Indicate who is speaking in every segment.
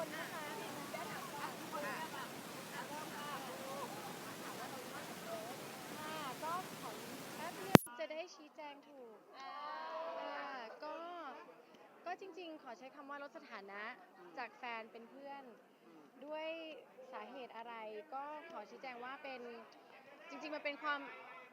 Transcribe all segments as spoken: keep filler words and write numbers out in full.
Speaker 1: คนนะคะได้ถามว่าคนนี้แบบเริ่มค่ะถามว่าเราชอบโน้ตค่ะก็ขอแป๊บนึงจะได้ชี้แจงถูกค่ะก็ก็จริงๆขอใช้คำว่าลดสถานะจากแฟนเป็นเพื่อนด้วยสาเหตุอะไรก็ขอชี้แจงว่าเป็นจริงๆมันเป็นความ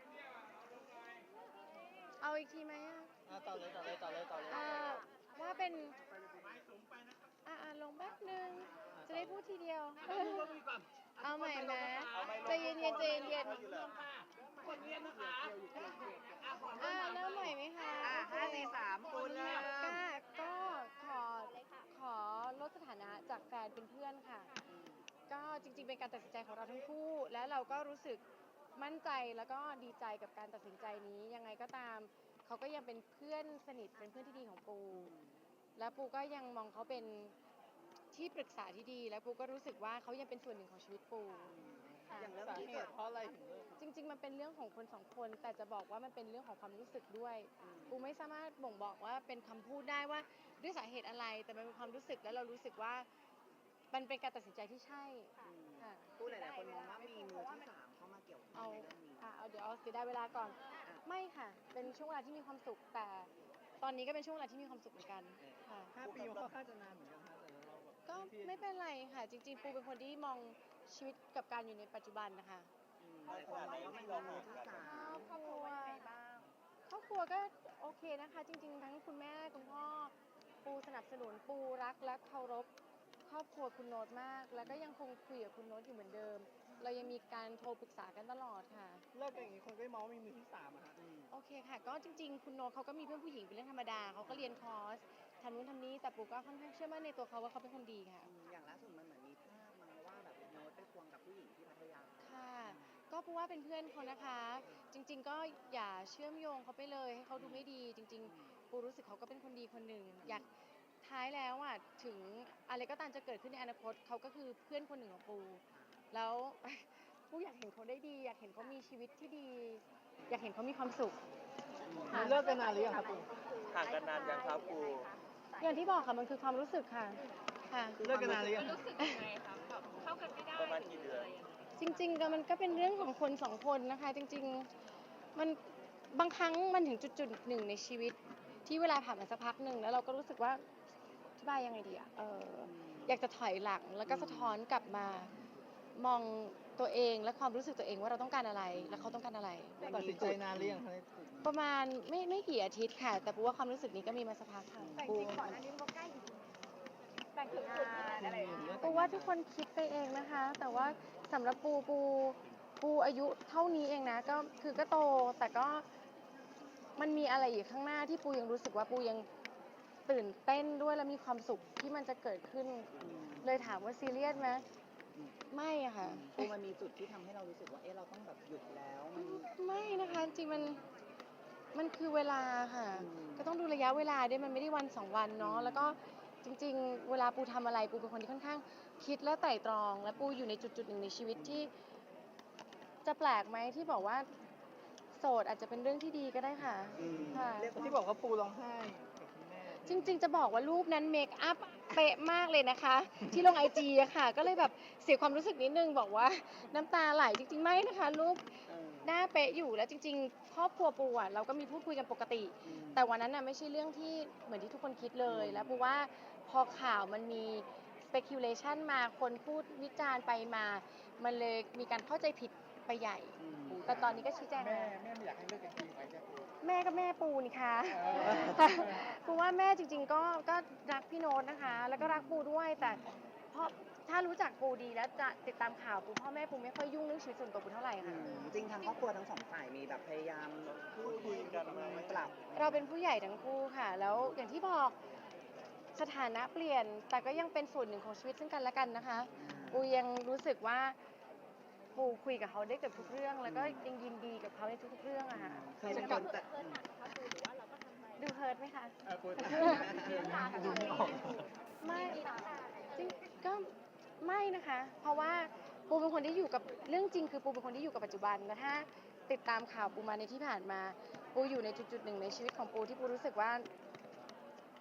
Speaker 1: เอาอีกทีไหมอะ
Speaker 2: อ่าต่อเลยต่อเลยต่อเลยต่อเลย
Speaker 1: อ่าว่าเป็นอ่าอ่าลงแป๊บนึงจะได้พูดทีเดียว เอาใหม่ไหมใจเย็นเย็นใจเย็นเย็น
Speaker 3: คนเรียนนะคะ
Speaker 1: อ่าเริ่มใหม่ไหมคะ
Speaker 3: อ่าห้าสี่สามคุณเริ่ม
Speaker 1: ก็ก็ขอขอลดสถานะจากแฟนเป็นเพื่อนค่ะ ก็จริงๆเป็นการตัดสินใจของเราทั้งคู่ และเราก็รู้สึกมั่นใจแล้วก็ดีใจกับการตัดสินใจนี้ยังไงก็ตามเขาก็ยังเป็นเพื่อนสนิทเป็นเพื่อนที่ดีของปู และปูก็ยังมองเขาเป็นที่ปรึกษาที่ดี และปูก็รู้สึกว่าเขายังเป็นส่วนหนึ่งของชีวิตปูค่ะ
Speaker 2: อย่างเรื่องที่เกิดเพราะอะไรถึงเลิก
Speaker 1: จริงๆมันเป็นเรื่องของคนสองคน แต่จะบอกว่ามันเป็นเรื่องของความรู้สึกด้วยปูไม่สามารถบ่งบอกว่าเป็นคำพูดได้ว่าด้วยสาเหตุอะไร แต่มันเป็นความรู้สึกแล้วเรารู้สึกว่ามันเป็นการตัดสินใจที่ใช่ค่ะ
Speaker 3: ผู้หลายๆคนมองว่ามีมือที่สามเข้ามาเกี่ยวข้อ
Speaker 1: เอา
Speaker 3: งในเรื่องนี้
Speaker 1: อ่ะเอาเดี๋ยวเอาเสียดายเวลาก่อน ไม่ค่ะ เป็นช่วงเวลาที่มีความสุข แต่ตอนนี้ก็เป็นช่วงเวลาที่มีความสุขเหมือนกันค่ะ
Speaker 2: ห้าปีมันค่อนข้างจะนานเหมือนกันนะแต่เราแบบ
Speaker 1: ก็ไม่เป็นไรค่ะ จริงๆ ปูเป็นคนที่มองชีวิตกับการอยู่ในปัจจุบันนะคะ
Speaker 3: อืมหลายคนมองว่ามันมีมือที่สา
Speaker 1: ครอ
Speaker 3: ม
Speaker 1: บครัวครอบครัวก็โอเคนะคะ จริงๆ ทั้งคุณแม่คุณพ่อปูสนับสนุนปูรักและเคารพครอบครัวคุณโน้ตมาก แล้วก็ยังคงคุยกับคุณโน้ตอยู่เหมือนเดิม เรายังมีการโทรปรึกษากันตลอดค่ะ
Speaker 2: เลิกกันอย่างนี้คนก็มองว่ามีมือที่สามอะฮะ
Speaker 1: โอเคค่ะ ก็จริงๆ คุณโน้ตเขาก็มีเพื่อนผู้หญิงเป็นเรื่องธรรมดาเขาก็เรียนคอร์สทำนู้นทำนี้ แต่ปูก็ค่อนข้างเชื่อมั่นในตัวเขาว่าเขาเป็นคนดีค่ะ
Speaker 3: อืมอย่างล่าสุดมันเหมือนมีภาพมาว่าแบบโน้ตไปควงกับผู้หญิงที่พัทยา
Speaker 1: ค่ะ ก็ปูว่าเป็นเพื่อนเขานะคะ จริง ๆ ก็อย่าเชื่อมโยงเขาไปเลยให้เขาดูไม่ดี จริง ๆ ปูรู้สึกเขาก็เป็นคนดีคนหนึ่ง อยากท้ายแล้วอ่ะถึงอะไรก็ตามจะเกิดขึ้นในอนาคตเขาก็คือเพื่อนคนหนึ่งของปู แล้ว ปูอยากเห็นเขาได้ดี อยากเห็นเขามีชีวิตที่ดี อยากเห็นเขามีความสุข
Speaker 2: เลิกกันนานหรือยังครับคุณ
Speaker 4: ห่างกันนานยังครับครู
Speaker 1: อย่างที่บอกค่ะมันคือความรู้สึกค่ะ ค่ะ
Speaker 2: เลิกกันนานหรือยัง
Speaker 5: รู้สึกยังไงคะแบบเข้ากันไม่ได้
Speaker 4: ประมาณกี่เดือน
Speaker 1: จริงๆก็มันก็เป็นเรื่องของคนสองคนนะคะ จริงๆมันบางครั้งมันถึงจุดๆหนึ่งในชีวิต ที่เวลาผ่านมาสักพักหนึ่งแล้วเราก็รู้สึกว่าอธิบายยังไงดีอะเอออยากจะถอยหลังแล้วก็สะท้อนกลับมามองตัวเองและความรู้สึกตัวเองว่าเราต้องการอะไรและเขาต้องการอะไร
Speaker 2: ตัดสินใจนานหรือยังคะในกลุ่ม
Speaker 1: ประมาณไม่ไม่กี่อาทิตย์ค่ะ แต่ปูว่าความรู้สึกนี้ก็มีมาสักพักค่ะ
Speaker 5: แต่จริงๆก่อนหน้านี้มันก็ใกล้อยู่แต่งถึงงานอะไรอย่างเงี้ย
Speaker 1: ปูว่าทุกคนคิดไปเองนะคะ แต่ว่าสำหรับปูปูปูอายุเท่านี้เองนะก็คือก็โตแต่ก็มันมีอะไรอีกข้างหน้าที่ปูยังรู้สึกว่าปูยังตื่นเต้นด้วยและมีความสุขที่มันจะเกิดขึ้น เลยถามว่าซีเรียสไหมไม่อะค่ะ
Speaker 3: ปูมันมีจุดที่ทำให้เรารู้สึกว่าเอ๊ะเราต้องแบบหยุดแล้วมัน
Speaker 1: ไม่นะคะจริงๆมันมันคือเวลาค่ะ
Speaker 3: อืม
Speaker 1: ก็ต้องดูระยะเวลาด้วยมันไม่ได้วันสองวันเนาะแล้วก็จริงๆ เวลาปูทำอะไรปูเป็นคนที่ค่อนข้างคิดและไตร่ตรอง และปูอยู่ในจุดๆหนึ่งในชีวิตที่ จะแปลกไหมที่บอกว่าโสดอาจจะเป็นเรื่องที่ดีก็ได้ค่ะ
Speaker 3: อืม
Speaker 1: ค่ะ
Speaker 3: เรียกว่า
Speaker 2: ที่บอกว่าปูร้องไห้กับคุณแม่
Speaker 1: จริงๆ จะบอกว่ารูปนั้นเมคอัพเป๊ะมากเลยนะคะ ที่ลงไอจีอะค่ะ ก็เลยแบบเสียความรู้สึกนิดนึงบอกว่าน้ำตาไหลจริงๆไม่นะคะรูป
Speaker 3: เออ
Speaker 1: หน้าเป๊ะอยู่แล้วจริงๆครอบครัวปูอะเราก็มีพูดคุยกันปกติ
Speaker 3: อืม
Speaker 1: แต่วันนั้นน่ะไม่ใช่เรื่องที่เหมือนที่ทุกคนคิดเลย แล้วปูว่าพอข่าวมันมี speculation มาคนพูดวิจารณ์ไปมา มันเลยมีการเข้าใจผิดไปใหญ่
Speaker 3: อืม
Speaker 1: แต่ตอนนี้ก็ชี้แจง
Speaker 2: แม่
Speaker 1: แล้ว
Speaker 2: แม่ไม่อยากให้เลิกกันจริงไหมจ๊ะ
Speaker 1: แม่ก็แม่ปูนี่ค่ะ
Speaker 2: เออ
Speaker 1: ปูว่าแม่จริงๆก็ก็รักพี่โน้ตนะคะ แล้วก็รักปูด้วยแต่เพราะถ้ารู้จักปูดีแล้วจะติดตามข่าวปูพ่อแม่ปูไม่ค่อยยุ่งเรื่องชีวิตส่วนตัวปูเท่าไหร่
Speaker 3: อื
Speaker 1: ค่ะ
Speaker 3: มจริงทางครอบครัวทั้งสองฝ่ายมีแบบพยายามพูดคุยกันไหมปรับ
Speaker 1: เราเป็นผู้ใหญ่ทั้งคู่ค่ะ แล้วอย่างที่บอกสถานะเปลี่ยน แต่ก็ยังเป็นส่วนหนึ่งของชีวิตซึ่งกันและกันนะคะ ปูยังรู้สึกว่าปูคุยกับเขาได้เกือบทุกเรื่อง แล้วก็ยังยินดีกับเขาในทุกๆเรื่องอะค่ะ
Speaker 3: เคยเป็นคนแต่
Speaker 1: ดูเฮิร์ตไหมคะ
Speaker 2: เออปู
Speaker 3: ดูไม่ออก
Speaker 1: ไม่จริงก็ไม่นะคะ เพราะว่าปูเป็นคนที่อยู่กับเรื่องจริงคือปูเป็นคนที่อยู่กับปัจจุบันนะถ้าติดตามข่าวปูมาในที่ผ่านมา ปูอยู่ในจุดๆหนึ่งในชีวิตของปูที่ปูรู้สึกว่า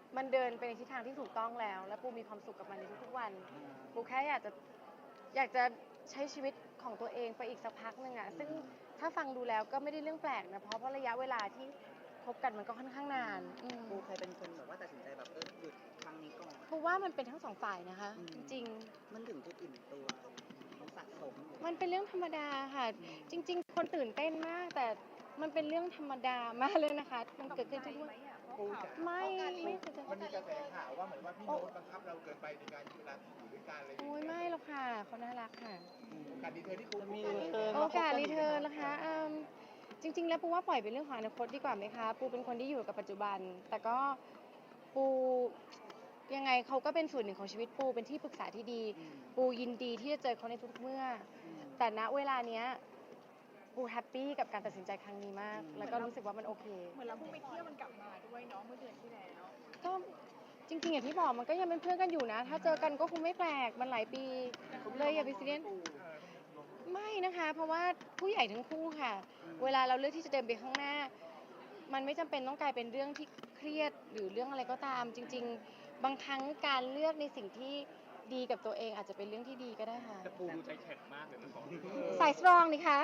Speaker 1: มันเดินไปในทิศทางที่ถูกต้องแล้ว และปูมีความสุขกับมันในทุกๆวันปูแค่อยากจะอยากจะใช้ชีวิตของตัวเองไปอีกสักพักหนึ่งอะซึ่งถ้าฟังดูแล้วก็ไม่ได้เรื่องแปลกนะเพราะเพราะระยะเวลาที่คบกันมันก็ค่อนข้างนานอืม
Speaker 3: ปูเคยเป็นคนแบบว่าตัดสินใจแบบเออหยุดครั้งนี้ก่อน
Speaker 1: ปูว่ามันเป็นทั้งสองฝ่ายนะคะ
Speaker 3: อืม
Speaker 1: จริง
Speaker 3: มันถึงจุดอิ่มตัวมันสะสมอยู่
Speaker 1: ๆ มันเป็นเรื่องธรรมดาค่ะ จริง ๆ คนตื่นเต้นมาก แต่มันเป็นเรื่องธรรมดามากเลยนะคะ มันเกิดขึ้นทุกวันไม่ไม่เคยจะ
Speaker 6: มันมีกระแสข่าวว่าเหมือนว่าพี่โน้ตบังคับเราเกินไปในการเวลาที่อยู่ด้วยกันอะไรอย่าง
Speaker 1: โอ้ย
Speaker 6: เงี้ย
Speaker 1: ไม่หรอกค่ะเขาน่ารักค่ะ
Speaker 6: การดีเทลที่คุณ
Speaker 2: มีรีเทิร์น
Speaker 1: โอกาสรีเทิร์นนะคะอืมจริง ๆ แล้วปูว่าปล่อยเป็นเรื่องของอนาคตดีกว่าไหมคะ ปูเป็นคนที่อยู่กับปัจจุบัน แต่ก็ปูยังไงเขาก็เป็นส่วนหนึ่งของชีวิตปูเป็นที่ปรึกษาที่ดี
Speaker 3: อืม
Speaker 1: ปูยินดีที่จะเจอเขาในทุกๆเมื่อ
Speaker 3: อืม
Speaker 1: แต่ณเวลาเนี้ยปูแฮปปี้กับการตัดสินใจครั้งนี้มาก
Speaker 3: อืม
Speaker 1: แล้วก็รู้สึกว่ามันโอเค
Speaker 5: เหมือนเราเพิ่งไปเที่ยวมันกลับมาด้วยเนาะเมื่อเดือนที่แล้ว
Speaker 1: ก็จริงๆอย่างที่บอกมันก็ยังเป็นเพื่อนกันอยู่นะ ถ้าเจอกันก็คงไม่แปลกมันหลายปีเลยอย่าไปซีเรียสไม่นะคะ เพราะว่าผู้ใหญ่ทั้งคู่ค่ะ เวลาเราเลือกที่จะเดินไปข้างหน้า มันไม่จำเป็นต้องกลายเป็นเรื่องที่เครียดหรือเรื่องอะไรก็ตาม จริง ๆ บางครั้งการเลือกในสิ่งที่ดีกับตัวเองอาจจะเป็นเรื่องที่ดีก็ได้ค่ะ
Speaker 4: แต่ปูดูใจแข็งมากเลยนะสอง
Speaker 1: สายสตรองนี่คะ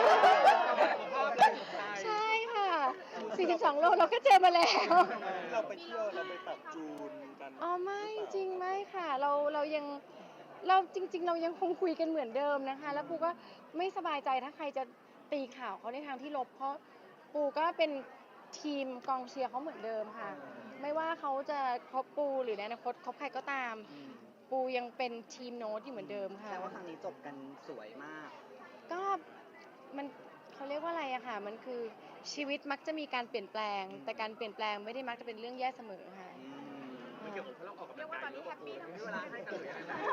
Speaker 1: ใช่ค่ะสี่สิบสองโลเราก็เจอมาแล้ว
Speaker 4: เราไปเที่ยวเราไปปรับจูนกัน
Speaker 1: อ๋อไม่จริงไม่ค่ะ เราเรายังเราจริง ๆ เรายังคงคุยกันเหมือนเดิมนะคะ แล้วปูก็ไม่สบายใจถ้าใครจะตีข่าวเขาในทางที่ลบ เพราะปูก็เป็นทีมกองเชียร์เขาเหมือนเดิมค่ะ ไม่ว่าเขาจะคบปูหรือในอนาคตคบใครก็ตาม
Speaker 3: อืม
Speaker 1: ปูยังเป็นทีมโน้ตอยู่เหมือนเดิมค่ะ
Speaker 3: แต่ว่าครั้งนี้จบกันสวยมาก
Speaker 1: ก็มันเขาเรียกว่าอะไรอะค่ะ มันคือชีวิตมักจะมีการเปลี่ยนแปลง แต่การเปลี่ยนแปลงไม่ได้มักจะเป็นเรื่องแย่เสมอค่ะ
Speaker 3: อืม
Speaker 4: ไม่เกี่ยวกับเราออกกำ
Speaker 5: เรี
Speaker 4: ลั
Speaker 5: ย
Speaker 4: ง
Speaker 5: กว่าก
Speaker 4: า
Speaker 5: ตอย นนี้แฮปปี้ทั้ง
Speaker 4: มี
Speaker 5: คู่
Speaker 4: เวลาให้กันเลย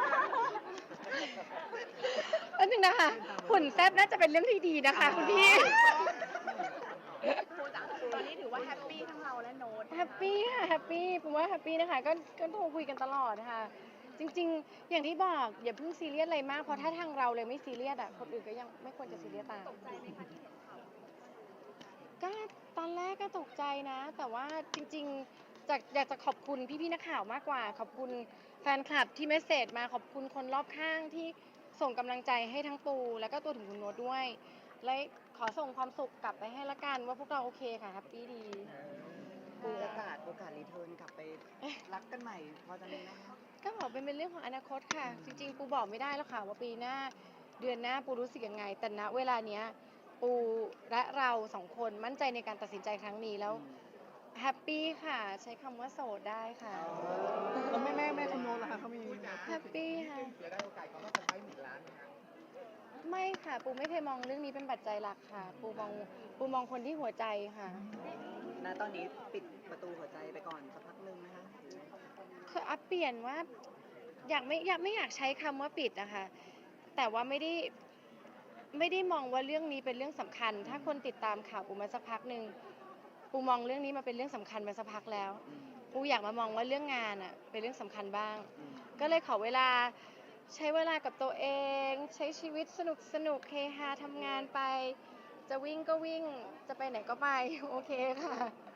Speaker 1: แป๊บนึงนะคะหุ่นแซบน่าจะเป็นเรื่องที่ดีนะคะคุณพี่
Speaker 5: ปูจ๋าตอนนี้ถือว่าแฮปปี้ทั้งเราและโน้ต
Speaker 1: แฮปปี้ค่ะแฮปปี้ผมว่าแฮปปี้นะคะก็ก็โทรคุยกันตลอดค่ะ จริง ๆ อย่างที่บอกอย่าเพิ่งซีเรียสอะไรมากเพราะถ้าทางเราเลยไม่ซีเรียสอ่ะคนอื่นก็ยังไม่ควรจะซีเรียสตาม
Speaker 5: ตกใจไหมคะที่เห็นข่าว
Speaker 1: ก็ตอนแรกก็ตกใจนะ แต่ว่าจริงๆจากอยากจะขอบคุณพี่ๆนักข่าวมากกว่า ขอบคุณแฟนคลับที่เมสเซจมาขอบคุณคนรอบข้างที่ส่งกำลังใจให้ทั้งปูแล้วก็ตัวถึงคุณโน้ตด้วย และขอส่งความสุขกลับไปให้ละกันว่าพวกเราโอเคค่ะแฮปปี้ดี
Speaker 3: ปูโอกาสโอกาสรีเทิร์นกลับไปรักกันใหม่พอจะมีไหมคะ
Speaker 1: ก็บอกเป็นเป็นเรื่องของอนาคตค่ะ จริง ๆ ปูบอกไม่ได้แล้วค่ะว่าปีหน้าเดือนหน้าปูรู้สึกยังไง แต่ณเวลาเนี้ยปูและเราสองคนมั่นใจในการตัดสินใจครั้งนี้แล้วแฮปปี้ค่ะ ใช้คำว่าโสดได้ค่ะ
Speaker 2: แล้วแม่แม่แม่คุณโน้ตล่ะคะเขามี
Speaker 1: แฮปปี้ค่ะ
Speaker 6: เสียได้โอกาสเขาก็จะไปหนึ่งล้านนะครับ
Speaker 1: ไม่ค่ะ ปูไม่เคยมองเรื่องนี้เป็นปัจจัยหลักค่ะ ปูมองปูมองคนที่หัวใจค่ะ
Speaker 3: ณตอนนี้ปิดประตูหัวใจไปก่อนสักพักหนึ่งไหมคะ
Speaker 1: คืออัพเปลี่ยนว่าอยากไม่อยากไม่อยากใช้คำว่าปิดนะคะแต่ว่าไม่ได้ไม่ได้มองว่าเรื่องนี้เป็นเรื่องสำคัญ ถ้าคนติดตามข่าวปูมาสักพักหนึ่งปูมองเรื่องนี้มาเป็นเรื่องสำคัญมาสักพักแล้ว
Speaker 3: อืม
Speaker 1: ปูอยากมามองว่าเรื่องงานอ่ะเป็นเรื่องสำคัญบ้าง
Speaker 3: อืม
Speaker 1: ก็เลยขอเวลาใช้เวลากับตัวเอง ใช้ชีวิตสนุกสนุกเฮฮาทำงานไป จะวิ่งก็วิ่งจะไปไหนก็ไป โอเคค่ะ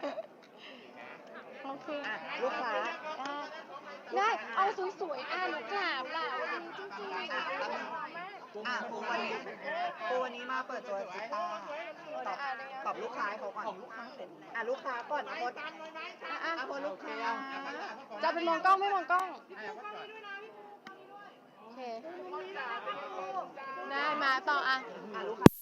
Speaker 1: โอเค
Speaker 3: อ่ะลูกค้า
Speaker 1: ได้ได้เอาสวยๆอ่ะหนูกราบล่ะวันนี้จริงๆ
Speaker 3: อ่ะอ่ะปูวันนี้ปูวันนี้มาเปิดตัวจิต้าตอบตอบลูกค้าให้เขาก่อนอ่ะลูกค้าก่อนนะพด
Speaker 1: อ่ะอ่ะ
Speaker 3: อ่ะพดลูกค้า
Speaker 1: จะเป็นมองกล้องไม่มองกล้อง โอเค ได้มาต่ออ่ะ
Speaker 3: อ่ะลูกค้า